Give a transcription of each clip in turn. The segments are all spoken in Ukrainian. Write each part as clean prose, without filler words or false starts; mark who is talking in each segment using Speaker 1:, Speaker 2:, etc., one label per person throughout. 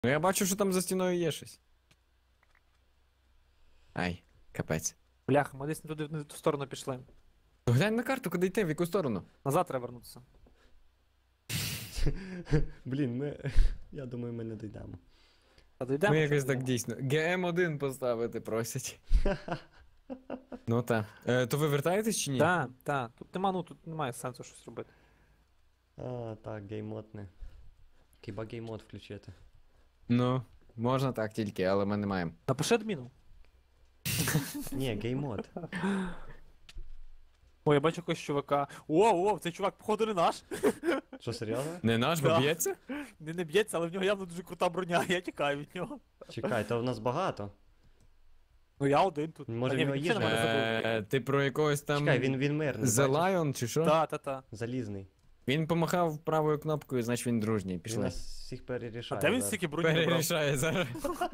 Speaker 1: Ну я бачу, що там за стіною є щось. Ай, капець.
Speaker 2: Бляха, ми десь не туди, не в ту сторону пішли.
Speaker 1: То глянь на карту, куди йти, в яку сторону.
Speaker 2: Назад треба вернутися.
Speaker 3: Блін, ми. Я думаю, ми не дійдемо.
Speaker 2: А дійдемо?
Speaker 1: Ми
Speaker 2: чи
Speaker 1: якось
Speaker 2: не
Speaker 1: так
Speaker 2: дійдемо?
Speaker 1: дійсно. ГМ1 поставити просять. Ну та. То ви вертаєтесь чи ні?
Speaker 2: Так. Тут немає сенсу щось робити.
Speaker 3: А, так, геймод не. Хіба геймод включити?
Speaker 1: Ну, можна так тільки, але ми не маємо.
Speaker 2: Напиши адміну.
Speaker 3: Ні, геймод.
Speaker 2: О, я бачу якогось чувака. О, цей чувак, походу, не наш.
Speaker 3: Що, серйозно?
Speaker 1: Не наш, бо
Speaker 2: Да.
Speaker 1: б'ється?
Speaker 2: Він не б'ється, але в нього явно дуже крута броня, я тікаю від нього.
Speaker 3: Чекай, то в нас багато.
Speaker 2: Ну я один тут.
Speaker 3: Може,
Speaker 2: А, ні,
Speaker 3: в нього
Speaker 2: він взагалі
Speaker 3: їжа?
Speaker 2: на мене забив.
Speaker 1: Ти про якогось там
Speaker 3: Чекай, він мирний.
Speaker 1: The
Speaker 3: бачиш?
Speaker 1: Lion чи що?
Speaker 2: Та.
Speaker 3: Залізний.
Speaker 1: Він помахав правою кнопкою, значить він дружній.
Speaker 3: Він
Speaker 1: Пішли.
Speaker 3: нас всіх
Speaker 2: А
Speaker 3: перерішає.
Speaker 2: де він
Speaker 3: зараз.
Speaker 2: стільки броні набрав?
Speaker 1: Перерішає зараз.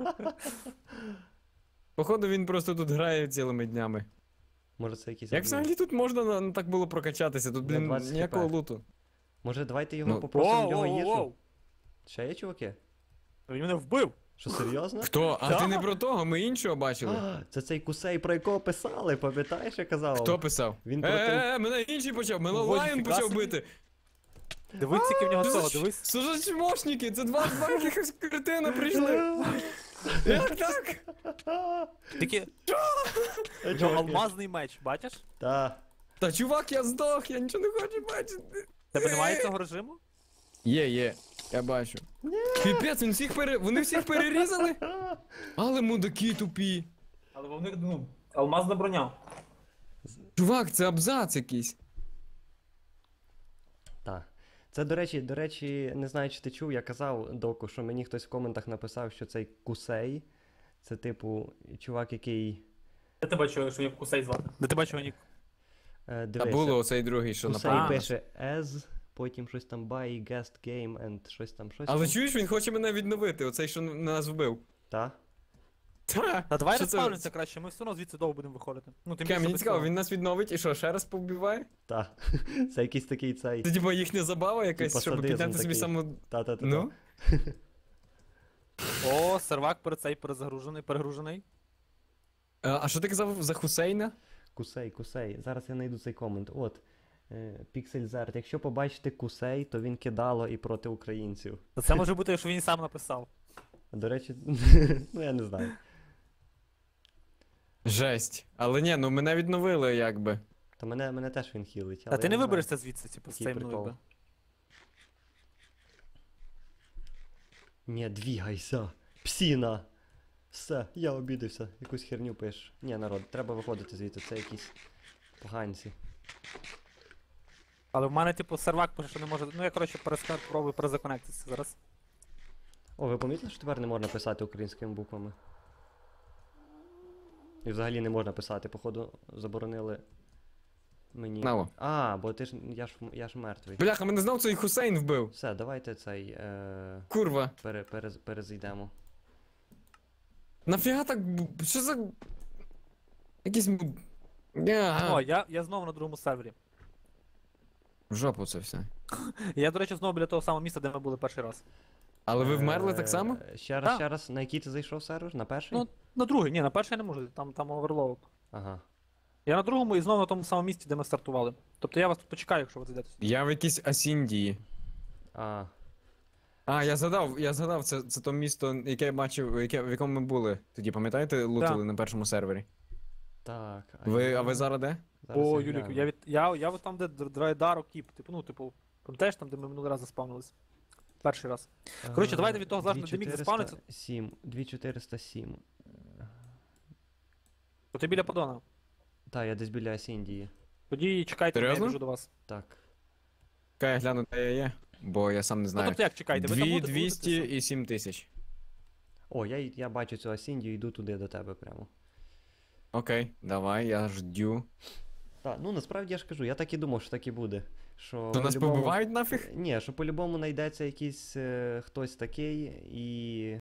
Speaker 1: Походу він просто тут грає цілими днями.
Speaker 3: Може це якийсь.
Speaker 1: Як
Speaker 3: адмін.
Speaker 1: взагалі тут можна так було прокачатися? Тут,
Speaker 3: Я
Speaker 1: блін,
Speaker 3: 20
Speaker 1: ніякого
Speaker 3: хп.
Speaker 1: луту.
Speaker 3: Може давайте його
Speaker 1: Ну,
Speaker 3: попросимо в нього їжу?
Speaker 2: Воу.
Speaker 3: Ще є чуваки?
Speaker 2: Він мене вбив.
Speaker 3: Що, серйозно?
Speaker 1: Хто? А
Speaker 2: Да.
Speaker 1: ти не про того, ми іншого бачили.
Speaker 3: А, це цей кусей, про якого писали, пам'ятаєш, я казав?
Speaker 1: Хто писав?
Speaker 3: Він проти-
Speaker 1: Мене інший почав, мене
Speaker 2: Ого,
Speaker 1: Лайон
Speaker 2: ніфіга
Speaker 1: почав
Speaker 2: собі.
Speaker 1: бити.
Speaker 2: Дивись, скільки в нього
Speaker 1: Що
Speaker 2: того,
Speaker 1: за
Speaker 2: дивись.
Speaker 1: Що за чмошники? Це два якихось кретина прийшли. Як так?
Speaker 2: Тільки
Speaker 3: Е,
Speaker 2: в нього алмазний меч, бачиш?
Speaker 3: Та.
Speaker 1: Та чувак, я здох, я нічого не хочу бачити.
Speaker 2: Тебе немає цього режиму?
Speaker 1: Є, я бачу. Піпець, вони всіх перерізали? Але мудаки тупі.
Speaker 2: Але в них, алмазна броня.
Speaker 1: Чувак, це абзац якийсь.
Speaker 3: Та. Це, до речі, не знаю, чи ти чув, я казав доку, що мені хтось в коментах написав, що цей кусей. Це типу чувак, який.
Speaker 2: Де ти бачив, що я кусей звати? Де ти бачив нік?
Speaker 1: Та
Speaker 3: Дивися.
Speaker 1: було оцей другий, що
Speaker 3: Кусей
Speaker 1: напав.
Speaker 3: пише as, потім щось там buy, guest game and щось там.
Speaker 1: Але чуєш, він хоче мене відновити, оцей, що нас вбив.
Speaker 3: Та?
Speaker 1: Та,
Speaker 2: Та давай
Speaker 1: що це?
Speaker 2: розпавнимося краще, ми все одно звідси довго будемо виходити. Ну, тим
Speaker 1: Кем,
Speaker 2: більше
Speaker 1: мені
Speaker 2: без
Speaker 1: цікаво,
Speaker 2: цього.
Speaker 1: він нас відновить і що, ще раз побиває?
Speaker 3: Та. Це якийсь такий цей.
Speaker 1: Це типа їхня забава якась,
Speaker 3: Типа
Speaker 1: щоб
Speaker 3: садизм
Speaker 1: підняти собі
Speaker 3: такий.
Speaker 1: саму.
Speaker 3: Та-та-та.
Speaker 1: Ну?
Speaker 2: О, сервак перегружений.
Speaker 1: А що ти казав за Хусейна?
Speaker 3: Кусей. Зараз я знайду цей комент. От. Піксельзарт. Якщо побачите кусей, то він кидало і проти українців.
Speaker 2: Та це може бути, що він сам написав.
Speaker 3: До речі, ну я не знаю.
Speaker 1: Жесть. Але ні, ну мене відновили якби.
Speaker 3: Та мене теж він хілить.
Speaker 2: А
Speaker 3: але
Speaker 2: ти
Speaker 3: я
Speaker 2: не
Speaker 3: знаю.
Speaker 2: виберешся звідси, типу, з
Speaker 3: Який
Speaker 2: цим
Speaker 3: прикол.
Speaker 2: ну,
Speaker 3: Ні, двігайся. Псіна. Все, я обідався. Якусь херню пиш. Ні, народ, треба виходити звідти, це якісь поганці.
Speaker 2: Але в мене, типу, сервак пише, що не може. Ну я, коротше, пробую перезаконектитися зараз.
Speaker 3: О, ви помітили, що тепер не можна писати українськими буквами? І взагалі не можна писати, походу, заборонили мені.
Speaker 1: Наво.
Speaker 3: А, бо я ж мертвий.
Speaker 1: Бляха, мене знов цей Хусейн вбив.
Speaker 3: Все, давайте цей
Speaker 1: Курва.
Speaker 3: перезайдемо.
Speaker 1: Нафіга так. Що за. Якісь.
Speaker 2: О, я знову на другому сервері.
Speaker 1: В жопу це все.
Speaker 2: Я, до речі, знову біля того самого місця, де ми були перший раз.
Speaker 1: Але ви вмерли так само?
Speaker 3: Ще
Speaker 2: Так.
Speaker 3: раз, на який ти зайшов сервер? На перший?
Speaker 2: Ну, на другий, ні, на перший я не можу, там оверлоуд.
Speaker 3: Ага.
Speaker 2: Я на другому і знову на тому самому місці, де ми стартували. Тобто я вас тут почекаю, якщо ви зайдете.
Speaker 1: Я в якійсь Асіндії.
Speaker 3: А,
Speaker 1: А, я згадав, це то місто, яке я бачив, в якому ми були. Тоді, пам'ятаєте, лутали на першому сервері?
Speaker 3: так.
Speaker 1: А ви зараз де?
Speaker 3: Зараз
Speaker 2: О,
Speaker 3: я
Speaker 2: Юлік,
Speaker 3: гляну.
Speaker 2: я от там, де Драйдаро Кіп, типу, пам'ятаєш там, де ми минулий раз заспавнились? Перший раз. Коротше, давайте від того залежно, де міг заспавнитися.
Speaker 3: 2407.
Speaker 2: То ти біля подона.
Speaker 3: Та, я десь біля Асіндії.
Speaker 2: Тоді чекайте, я
Speaker 1: Серйозно?
Speaker 2: біжу до вас.
Speaker 3: Так.
Speaker 1: Чекай, я гляну, де я є, бо я сам не
Speaker 2: Ну
Speaker 1: знаю.
Speaker 2: тобто як чекайте, ви там будете
Speaker 1: 2200
Speaker 2: лутатися?
Speaker 1: і 7000.
Speaker 3: О, я бачу цю Асіндію, йду туди до тебе прямо.
Speaker 1: Окей, давай, я ждю.
Speaker 3: Так, ну насправді я ж кажу, я так і думав, що так і буде. Що
Speaker 1: То нас
Speaker 3: по-любому-
Speaker 1: побивають нафіг?
Speaker 3: Ні, що по-любому знайдеться якийсь хтось такий і